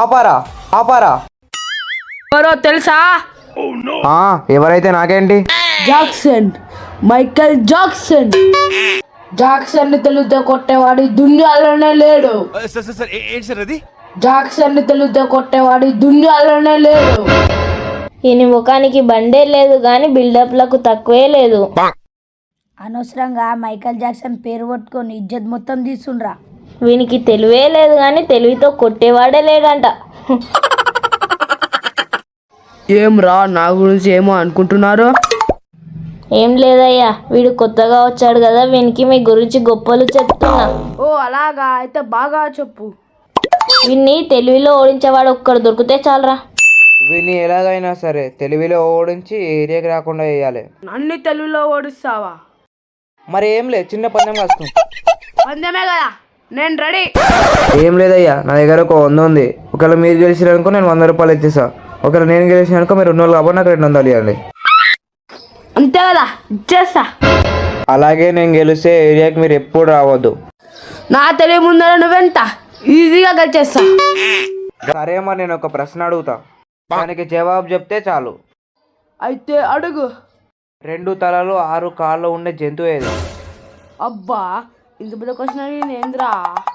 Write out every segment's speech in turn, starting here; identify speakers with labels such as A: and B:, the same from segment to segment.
A: ఆపారా ఆపారా.
B: ఎవరో తెలుసా?
A: ఎవరైతే నాకేంటి.
B: Jackson, Michael Jackson. జాక్సన్ ని తెలుగుతో కొట్టేవాడి దునియాలోనే లేడు. జాక్సన్ ని తెలుగుతో కొట్టేవాడి దునియాలోనే లేడు.
C: ఈయన ముఖానికి బండే లేదు కానీ బిల్డప్లకు తక్కువే లేదు.
D: అనవసరంగా మైకల్ జాక్సన్ పేరు పట్టుకొని ఇజ్జత్ మొత్తం తీసుండ్రా.
C: వీనికి తెలివే లేదు కానీ తెలివితో కొట్టేవాడే లేడంట.
B: ఏం రా, నా గురించి ఏమో అనుకుంటున్నారు?
C: ఏం లేదయ్యా, వీడు కొత్తగా వచ్చాడు కదా, వీనికి మీ గురించి గొప్పలు చెప్తున్నా.
B: ఓ అలాగా, అయితే బాగా చెప్పు.
C: వీన్ని తెలివిలో ఓడించేవాడు ఒక్కడు దొరికితే చాలరా.
A: వీడిని ఎలాగైనా సరే తెలివిలో ఓడించి ఏరియాకి రాకుండా వేయాలి.
B: నన్ను తెలుగులో ఓడిస్తావా?
A: మరి ఏం లేదు, చిన్న పందెం వస్తుంది.
B: పందెమే కదా, నేను రెడీ.
A: ఏం లేదయ్యా, నా దగ్గర ఒక 100 ఉంది. ఒకవేళ మీరు గెలిచినారనుకో నేను 100 రూపాయలు ఇచ్చేసా. ఒకవేళ నేను గెలిచినానుకో మీరు 200 కాబట్టి నాకు 200 ఇవ్వండి.
B: అంతే కదా, ఇచ్చేస్తా.
A: అలాగే నేను గెలిస్తే ఏరియాకి మీరు ఎప్పుడు రావద్దు.
B: నా తెలివి ముందర నువ్వెంత ఈజీగా గెలిచేస్తా.
A: సరే, మరి నేను ఒక ప్రశ్న అడుగుతా, దానికి జవాబు చెప్తే చాలు.
B: అయితే అడుగు.
A: 2 తలలు 6 కాళ్ళు ఉండే జంతువు ఏది?
B: అబ్బా, ఇంత పెద్ద క్వశ్చన్ ఏంద్రా?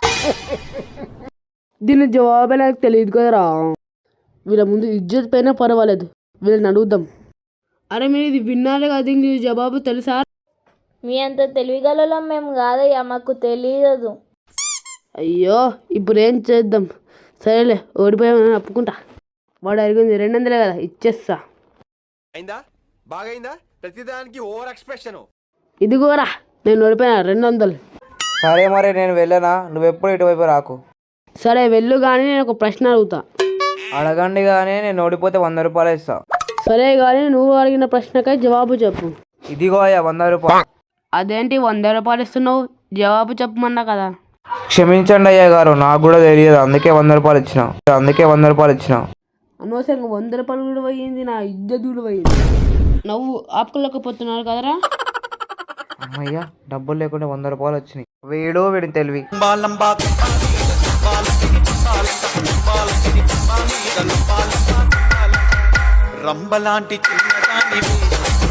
B: దీని జవాబే నాకు తెలియదు కదరా. వీళ్ళ ముందు ఇజ్జత్ పైన పర్వాలేదు, వీళ్ళని అడుగుదాం. అరే మీరు ఇది విన్నారే కదా, దీనికి జవాబు తెలుసా?
C: మీ అంత తెలివిగలలో మేము కాదయ్యా, మాకు తెలియదు.
B: అయ్యో, ఇప్పుడు ఏం చేద్దాం? సరేలే, ఓడిపోయామని ఒప్పుకుంటా. వాడు అడిగింది 200 కదా, ఇచ్చేస్తా. ఇదిగోరా, నేను ఓడిపోయినా 200.
A: సరే, మరి నేను వెళ్ళనా? నువ్వెప్పుడు ఇటువైపు రాకు.
B: సరే వెళ్ళు, కానీ నేను ఒక ప్రశ్న అడుగుతా.
A: అడగండి, కానీ నేను ఓడిపోతే 100 రూపాయలు ఇస్తా.
B: సరే కానీ నువ్వు అడిగిన ప్రశ్నకై జవాబు చెప్పు.
A: ఇదిగో అయ్యా 100 రూపాయలు.
B: అదేంటి 100 రూపాయలు ఇస్తున్నావు? జవాబు చెప్పమన్నా కదా.
A: క్షమించండి అయ్యా గారు, నాకు కూడా తెలియదు, అందుకే 100 రూపాయలు ఇచ్చిన.
B: అనవసరంగా 100 రూపాయలు కూడా పోయింది, నా ఇజ్జత్ కూడా పోయింది. నువ్వు ఆపుకోలేకపోతున్నారు కదరా.
A: అమ్మయ్యా, డబ్బులు లేకుండా 100 రూపాయలు వచ్చినాయి. వీడిని తెలివి.
E: రంబలాంటి చిన్నదానివి